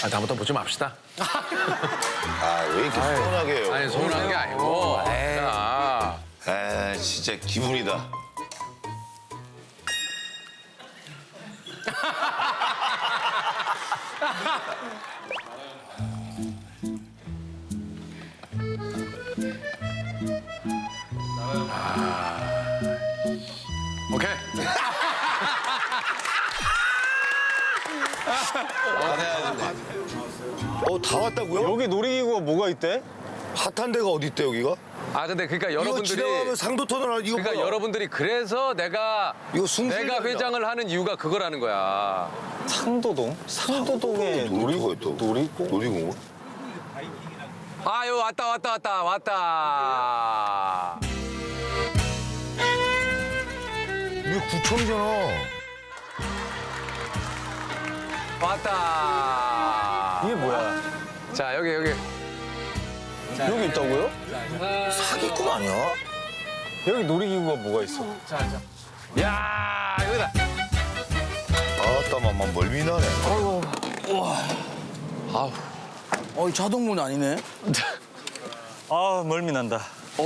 아, 다음부터 보지 맙시다. 아, 왜 이렇게 서운하게 해요? 아니, 서운한 게 아니고. 야. 아, 진짜 기분이다. 오케이. 다 왔다고요? 여기 놀이기구가 뭐가 있대? 핫한 데가 어디 있대, 여기가? 아, 근데 그러니까 이거 여러분들이. 지나가면 상도터널 이거 그러니까 뭐야? 여러분들이 그래서 내가 숭실이란다. 회장을 하는 이유가 그거라는 거야. 상도동? 상도동에 놀이터가 있다고? 놀이공? 놀이공원? 아유, 왔다. 이게 구청이잖아. 왔다. 이게 뭐야? 자, 여기. 여기 있다고요? 사기꾼 아니야? 여기 놀이기구가 뭐가 있어? 야, 여기다. 아따, 맘마 멀미나네. 이 자동문 아니네. 아, 멀미 난다.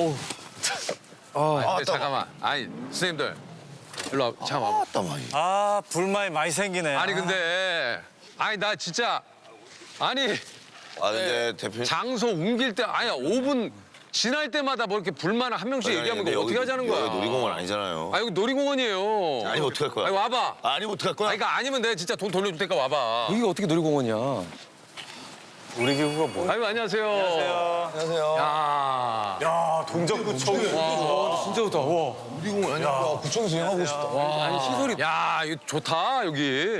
근데 잠깐만. 아니, 선생님들. 일로 와. 잠깐만. 아따, 마이. 아, 불만이 많이 생기네. 아니, 근데. 아니, 나 진짜. 아니, 아, 근데 대표님. 장소 옮길 때, 아니, 5분 지날 때마다 뭐 이렇게 불만을 한 명씩 얘기하면 그거 어떻게 하자는 거야? 여기 놀이공원 아니잖아요. 아, 여기 놀이공원이에요. 아니면 어떡할 거야? 아니, 와봐. 아니면 어떡할 거야? 아니, 그러니까 아니면 내가 진짜 돈 돌려줄 테니까 와봐. 여기가 어떻게 놀이공원이야? 놀이기구가 뭐야? 아유, 안녕하세요. 안녕하세요. 야. 야, 동작구청이. 진짜 좋다. 와. 놀이공원 아니야? 구청에서 여행하고 싶다. 와, 아니 시설이. 야, 이거 좋다, 여기.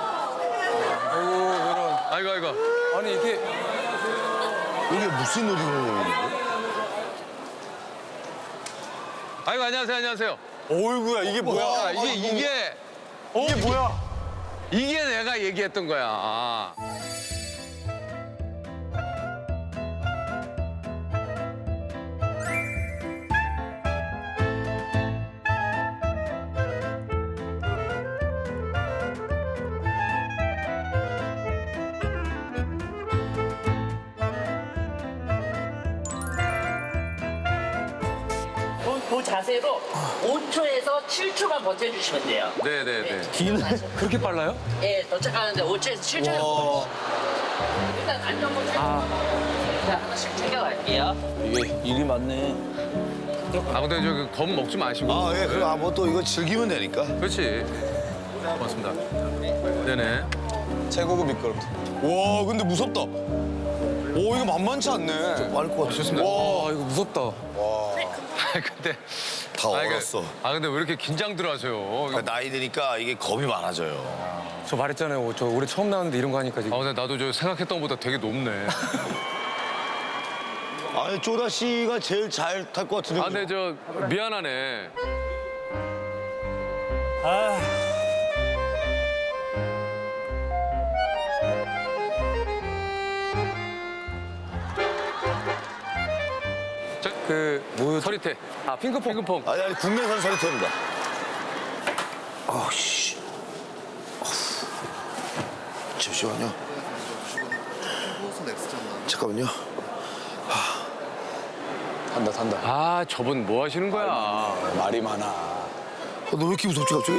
아이고. 아니 이게 이게 무슨 놀이공원이에요? 아이고, 안녕하세요. 어이구야, 이게 뭐야? 야, 이게 이게 뭐야? 이게 내가 얘기했던 거야. 그 자세로 5초에서 7초만 버텨주시면 돼요. 네네네. 그렇게 빨라요? 예, 도착하는데 5초에서 7초만 버텨주세요. 일단 안전모 자, 하나씩 챙겨갈게요. 이게 일이 많네. 아, 근데 저기 겁 먹지 마시고. 아, 예, 그럼 뭐 또 이거 즐기면 되니까. 그렇지. 고맙습니다. 네네. 최고급 미끄럼틀. 와, 근데 무섭다. 오, 이거 만만치 않네. 빠를 것 같아. 좋습니다. 와 이거 무섭다. 아, 근데. 다 얼었어. 근데 왜 이렇게 긴장들 하세요? 나이 드니까 이게 겁이 많아져요. 저 말했잖아요. 저 올해 처음 나왔는데 이런 거 하니까 지금. 아, 근데 나도 저 생각했던 것보다 되게 높네. 아니, 쪼다 씨가 제일 잘 탈 것 같은데. 아, 근데 저 미안하네. 아, 그 뭐요? 서리태. 아, 핑크퐁. 아니, 국내산 서리태입니다. 씨. 잠시만요. 잠깐만요. 탄다. 아, 저분 뭐 하시는 거야? 말이 많아. 너 왜 이렇게 무섭지, 갑자기?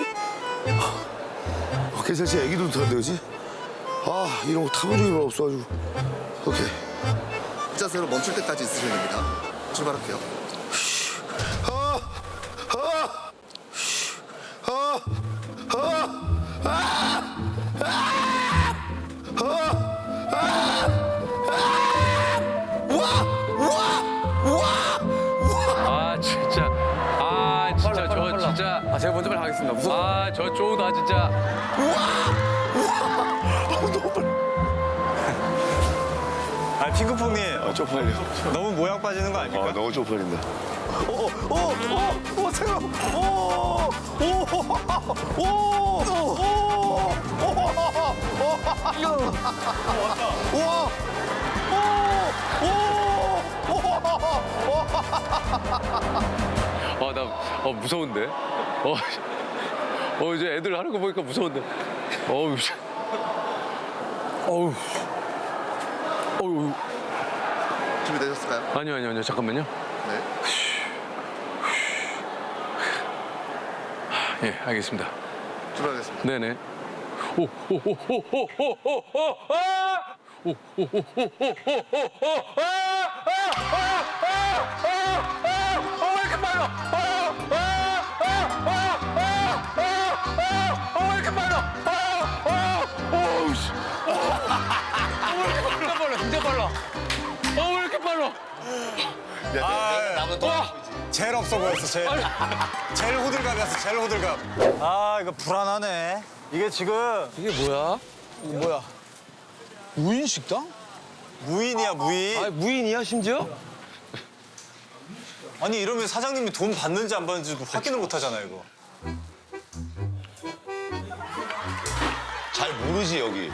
괜찮지? 애기도 타는데, 그지? 아, 이런 거 타본 적이 별로 없어가지고. 오케이. 자세로 멈출 때까지 있으시면 됩니다. 출발할게요. 아, 진짜. 저 진짜. 아 제가 먼저 가겠습니다. 무섭. 아, 저 쪼다 진짜. 아, 핑크퐁님. 쪽팔려. 너무 모양 빠지는 거 아닙니까? 너무 쪽팔린다. 무서운데? 이제 애들 하는 거 보니까 무서운데. 어우. 어유. 준비되셨을까요? 아니요. 잠깐만요. 네. 예, 알겠습니다. 출발하겠습니다. 네네. 진짜 빨라. 왜 이렇게 빨라? 제일 없어 보였어, 제일. 제일 호들갑이었어, 제일 호들갑. 아, 이거 불안하네. 이게 지금 이게 뭐야? 뭐야? 무인 식당? 무인이야, 무인. 아, 무인이야 심지어? 아니, 이러면 사장님이 돈 받는지 안 받는지도 확인을 못 하잖아, 이거. 잘 모르지 여기.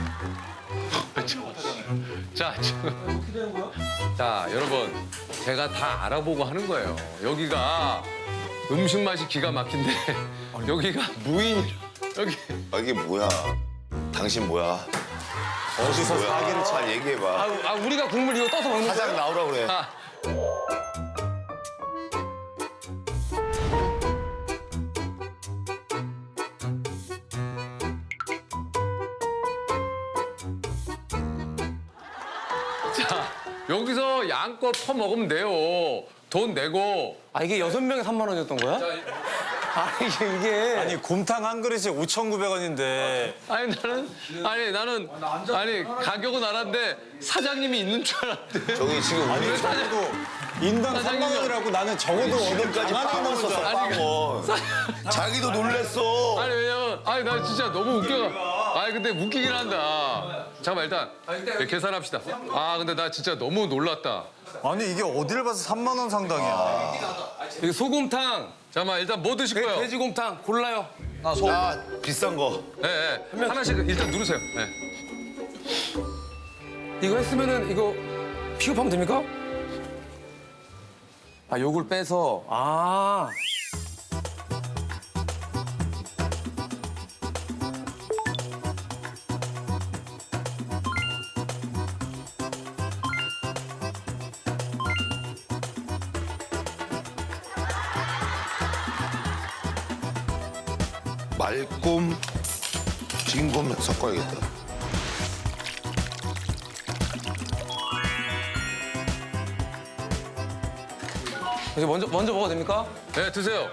자, 여러분, 제가 다 알아보고 하는 거예요. 여기가 음식 맛이 기가 막힌데 여기가 무인 여기 아, 이게 뭐야? 당신 뭐야? 어디서 뭐야? 사기를 쳐. 잘 얘기해봐. 우리가 국물 이거 떠서 먹는 사장 거야? 나오라 그래. 아, 자, 여기서 양껏 퍼먹으면 돼요. 돈 내고. 아, 이게 6명에 3만 원이었던 거야? 아니, 이게. 아니, 곰탕 한 그릇이 5,900원인데. 나는 가격은 알았는데 사장님이 있는 줄 알았는데. 저기 지금 우리 아니, 적어도 인당 3만 원이라고 나는 적어도 지금까지 빵원 썼어, 빵원. 자기도 놀랬어. 아니 왜냐면 나 진짜 너무 웃겨. 근데 웃기긴 한다. 잠깐만 일단 계산합시다. 근데 나 진짜 너무 놀랐다. 아니, 이게 어딜 봐서 3만 원 상당이야. 이게 소곰탕, 잠깐만 일단 뭐 드실 거예요? 돼지곰탕 골라요. 아, 비싼 거. 네, 하나씩 일단 누르세요. 네. 이거 했으면은 이거 픽업하면 됩니까? 아, 요걸 빼서. 말꼼, 진곰 섞어야겠다. 이제 먼저 먹어도 됩니까? 네, 드세요.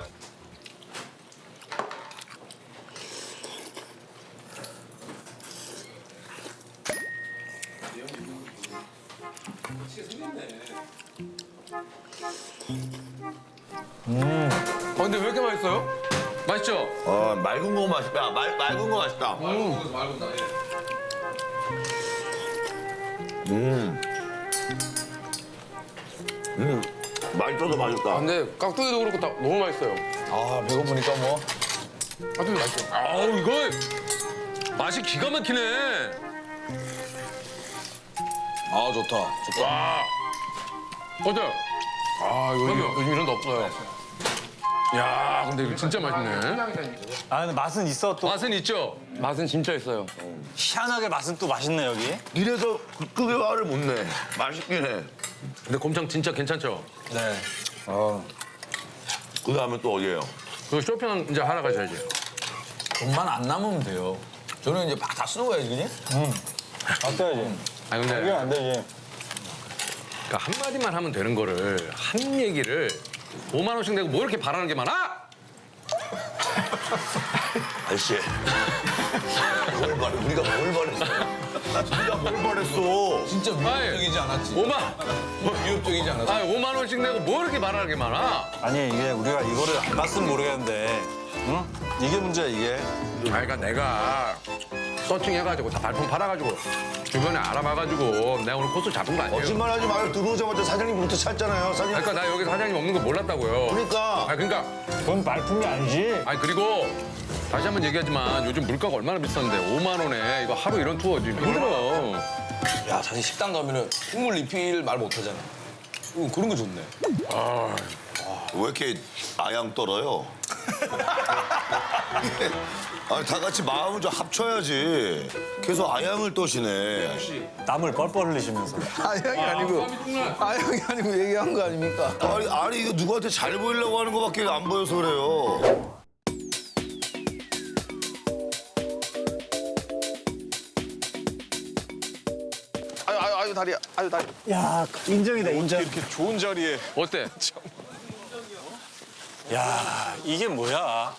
근데 왜 이렇게 맛있어요? 맛있죠? 맑은 거 맛있다. 맑은 거 맛있다. 맛있어도 맛있다. 근데 깍두기도 그렇고 다 너무 맛있어요. 아, 배고프니까 뭐. 깍두기 맛있어. 이거 맛이 기가 막히네. 아, 좋다. 어때요? 요즘 이런 데 없어요. 야, 근데 이거 진짜 맛있네. 아, 근데 맛은 있어, 또. 맛은 있죠? 맛은 진짜 있어요. 희한하게 맛은 또 맛있네, 여기. 이래서 급의 화를 못 내. 맛있긴 해. 근데 곰탕 진짜 괜찮죠? 네. 그 다음에 또 어디예요? 그 쇼핑 이제 하러 가셔야지. 돈만 안 남으면 돼요. 저는 이제 막 다 쓰고 가야지, 그냥? 안 돼야지. 근데 이게 안 되지. 그러니까 한마디만 하면 되는 거를 한 얘기를 5만 원씩 내고 뭐 이렇게 바라는 게 많아? 아저씨. 우리가 뭘 바랬어? 우리가 뭘 바랬어? 진짜 위협적이지 않았지? 위협적이지 않았어? 5만 원씩 내고 뭐 이렇게 바라는 게 많아? 아니, 이게 우리가 이거를 안 봤으면 모르겠는데, 응? 이게 문제야, 이게. 그러니까 내가 서칭해가지고 다 발품 팔아가지고 주변에 알아봐가지고 내가 오늘 코스 잡은 거 아니에요? 거짓말하지 마요. 들어오자마자 사장님부터 찾잖아요. 사장님. 그러니까 나 여기 사장님 없는 거 몰랐다고요. 그러니까. 그러니까 그건 말품이 아니지. 그리고 다시 한번 얘기하지만 요즘 물가가 얼마나 비싼데 5만 원에 이거 하루 이런 투어 좀 힘들어. 야, 사실 식당 가면은 국물 리필 말 못하잖아. 그런 거 좋네. 왜 이렇게 아양 떨어요? 아니 다 같이 마음을 좀 합쳐야지. 계속 아양을 떠시네. 땀을 뻘뻘 흘리시면서. 아형이 아니고 아형이 아니고 얘기한 거 아닙니까? 아니 이거 누구한테 잘 보이려고 하는 거밖에 안 보여서 그래요. 아유 다리야. 아유 다리. 야, 인정이다, 인정. 이렇게 좋은 자리에 어때? 야, 이게 뭐야?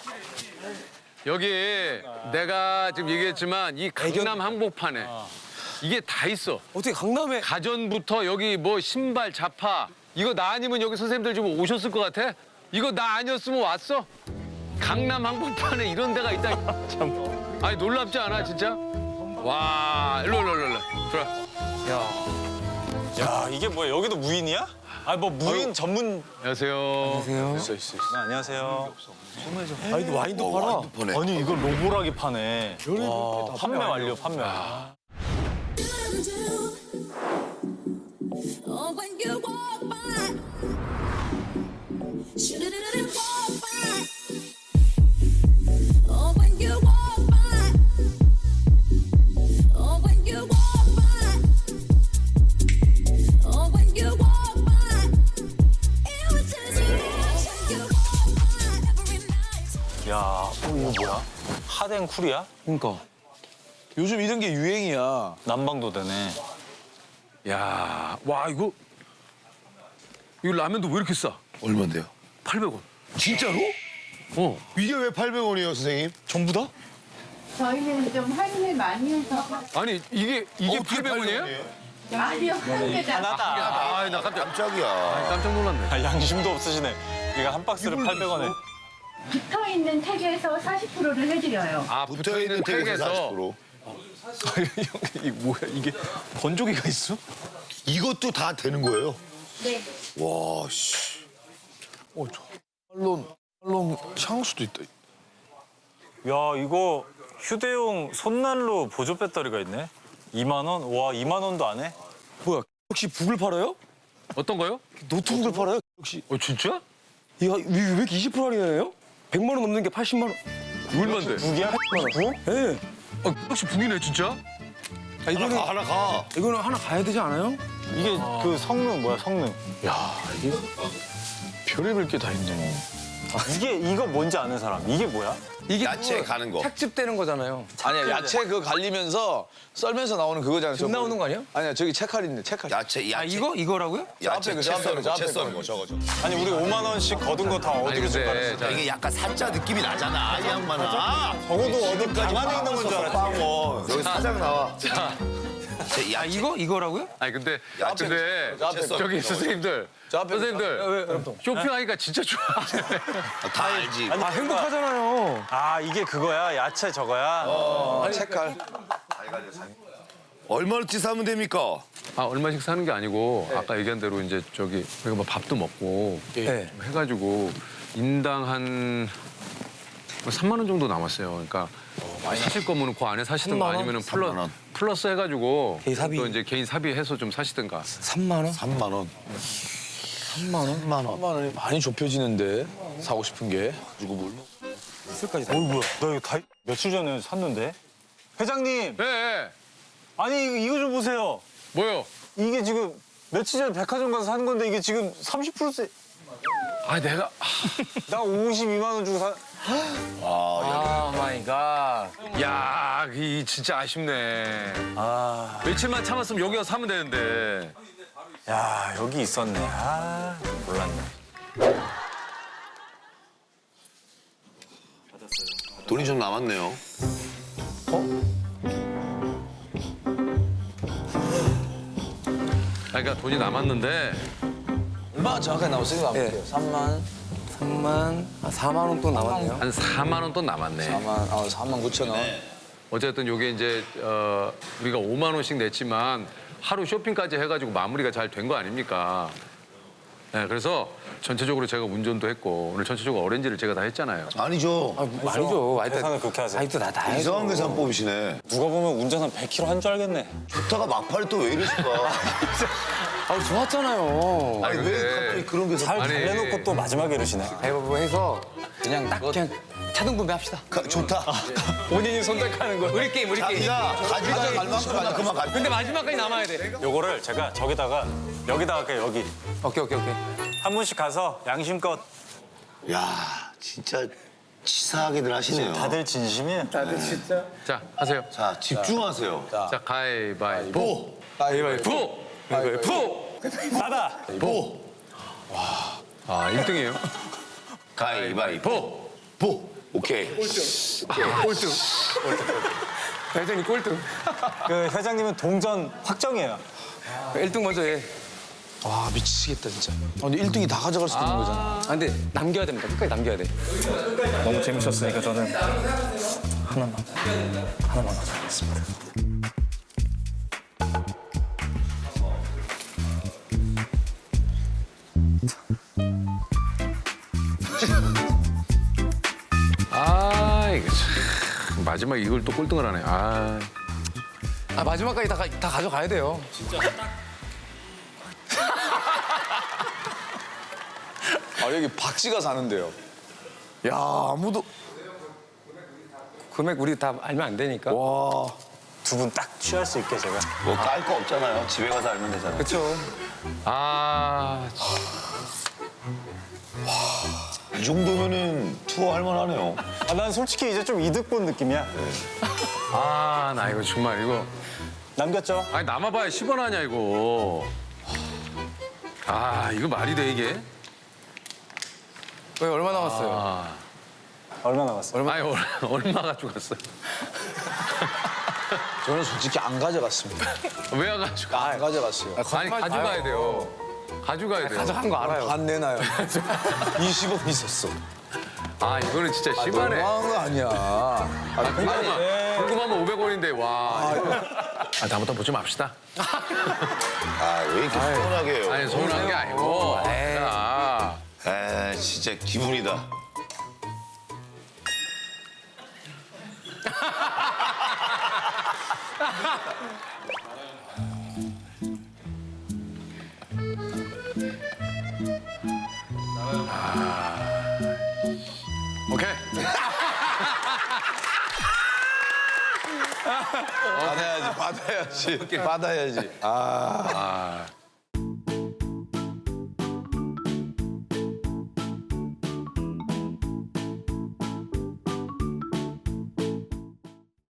여기 내가 지금 얘기했지만 이 강남 한복판에 이게 다 있어. 어떻게 강남에 가전부터 여기 뭐 신발, 자파 이거 나 아니면 여기 선생님들 좀 오셨을 것 같아? 이거 나 아니었으면 왔어? 강남 한복판에 이런 데가 있다. 참. 아니 놀랍지 않아 진짜? 와 일로 들어. 야, 이게 뭐야? 여기도 무인이야? 아니, 뭐 무인 전문. 안녕하세요. 안녕하세요. 아니 와인도 팔아. 보네. 아니, 이걸 로보라기 파네. 와, 판매 완료, 판매. Oh, when you walk by, shouldn't walk by. Oh, when you walk by, oh, when you walk by, oh, when you walk by, it was just you walk by every night. 야, 이거 뭐야? 하덴 쿨이야? 그러니까 요즘 이런 게 유행이야. 난방도 되네. 야, 와 이거 라면도 왜 이렇게 싸? 얼마인데요? 800원. 진짜로? 어. 이게 왜 800원이에요, 선생님? 전부 다? 저희는 좀 할인을 많이 해서 아니 이게 800원이에요? 아니요 한 개다. 하나다. 아, 나 깜짝이야. 깜짝 놀랐네. 아, 양심도 없으시네. 이거 한 박스를 800원에. 붙어 있는 택에서 40%를 해드려요. 아, 붙어있는 택에서 40%. 이게 뭐야? 이게 건조기가 있어? 이것도 다 되는 거예요? 네. 와, 씨. 팔론 향수도 있다. 야, 이거 휴대용 손난로 보조 배터리가 있네. 2만 원? 와, 2만 원도 안 해? 뭐야? 혹시 북을 팔아요? 어떤 거요? 노트북을 팔아요? 혹시 진짜? 이거 왜 이렇게 20% 할인해요? 100만 원 넘는 게 80만 원. 얼마인데? 무기야? 예. 네. 혹시 북이네 진짜? 아, 이거는 하나 가. 이거는 하나 가야 되지 않아요? 이게 그 성능 뭐야, 성능? 별의별 게 다 있네. 이거 뭔지 아는 사람? 이게 뭐야? 이게 야채 그거 가는 거. 착즙되는 거잖아요. 아니야 야채 그거 갈리면서 썰면서 나오는 그거잖아. 즙 나오는 거 아니야? 아니야 저기 채칼 있네 채칼. 야채. 아 이거라고요? 야채 저 채 앞에 써는 거, 거, 저 채 앞에 써는 거. 거, 저거. 아니, 우리 5만 원씩 거둔 거 다 아니 어디로 줄 근데 알았어? 자, 이게 약간 사자 느낌이 나잖아, 이 양반아. 적어도 어디 가만히 있는 건 줄 알았지. 빵원. 여기 사장 나와. 아 이거라고요? 아니 근데 야채, 근데 저 앞에 거. 저기 선생님들 선생님들 쇼핑하니까 진짜 좋아. 다 알지. 아 행복하잖아요. 아, 이게 그거야? 야채 저거야? 채칼. 얼마나치 사면 됩니까? 아 얼마씩 사는 게 아니고 아까 얘기한 대로 이제 저기 우리가 뭐 밥도 먹고 네. 좀 해가지고 인당 한 3만 원 정도 남았어요. 그러니까 사실 거면 그 안에 사시든가 3만 원? 아니면은 3만 원. 플러스 해가지고 개인 사비. 또 이제 개인 사비해서 좀 사시든가. 3만 원? 3만 원. 3만 원? 3만 원. 3만 원이 많이 좁혀지는데 사고 싶은 게. 그리고 뭘? 술까지 다. 뭐야? 나 이거 다 며칠 전에 샀는데. 회장님, 네. 아니 이거 좀 보세요. 뭐요? 이게 지금 며칠 전에 백화점 가서 산 건데 이게 지금 30%세. 아 내가 나 52만 원 주고 사. 아 마이 갓. 야, 이 진짜 아쉽네. 아, 며칠만 참았으면 여기 와서 사면 되는데. 야, 여기 있었네. 아, 몰랐네. 돈이 좀 남았네요. 그러니까 돈이 남았는데 얼마 정확하게 나왔어요? 한번 예. 볼게요. 3만 4만 원 또 남았네요. 한 4만 원 또 남았네. 4만 9천 원. 어쨌든 요게 이제 우리가 5만 원씩 냈지만 하루 쇼핑까지 해가지고 마무리가 잘 된 거 아닙니까? 네, 그래서 전체적으로 제가 운전도 했고 오늘 전체적으로 어렌지를 제가 다 했잖아요. 아니죠. 아니죠. 계산을 그렇게 하세요. 아니 또나 해야죠. 이상한 계산 뽑으시네. 누가 보면 운전 한 100km 한 줄 알겠네. 좋다가 막판에 또 왜 이러실까? 아 좋았잖아요. 아니, 왜 갑자기 그런 계산? 잘 아니. 달래놓고 또 마지막에 이러시네. 가위바위보 해서 그냥 딱 그냥 차등분배 합시다. 좋다. 본인이 선택하는 거. 우리 게임. 자기가 가져갈 만큼 그만 가져. 근데 마지막까지 남아야 돼. 요거를 제가 저기다가 여기다가 할게요, 여기. 오케이. 한 분씩 가서 양심껏. 야, 진짜 치사하게들 하시네요. 다들 진심이에요. 자, 하세요. 자, 집중하세요. 자, 가위바위보. 가위바위보. 가위바위보. 나다. 보, 아, 1등이에요. 가위바위보, 보. 오케이. 꼴등. 회장님 꼴등. 그 회장님은 동전 확정이에요. 1등 먼저 해. 와 미치겠다 진짜. 근데 1등이 다 가져갈 수도 있는 거잖아. 아, 근데 남겨야 됩니다. 끝까지 남겨야 돼. 너무 재밌었으니까 저는 하나만 가져가겠습니다. 아, 이거 참. 마지막 이걸 또 꼴등을 하네. 아. 아, 마지막까지 다 가져가야 돼요. 아 여기 박씨가 사는데요. 야 아무도. 금액 우리 다 알면 안 되니까. 와. 두 분 딱 취할 수 있게 제가. 뭐 깔 거 없잖아요. 집에 가서 알면 되잖아요. 그렇죠. 아, 이 정도면은 투어 할 만하네요. 아, 난 솔직히 이제 좀 이득 본 느낌이야. 아, 나 이거 정말 이거. 남겼죠? 아니, 남아봐야 10원 하냐, 이거. 아, 이거 말이 돼, 이게? 왜 얼마 남았어요? 아, 얼마 남았어요? 아니, 얼마가 죽었어? 저는 솔직히 안 가져갔습니다. 왜 안 가져가? 안 가져갔어요. 아니, 가져가야 돼요. 가져가야 돼요. 가져간 거 알아요. 반 내놔요. 20원 있었어. 아, 이거는 진짜 심하네. 너무한 거 아니야. 궁금하면 500원인데, 와. 아, 다음부터 보지 맙시다. 아, 왜 이렇게 서운하게 해요? 아니, 서운한 게 아니고. 자, 에, 진짜 기분이다. 오케이. 받아야지. 받아야지. 아.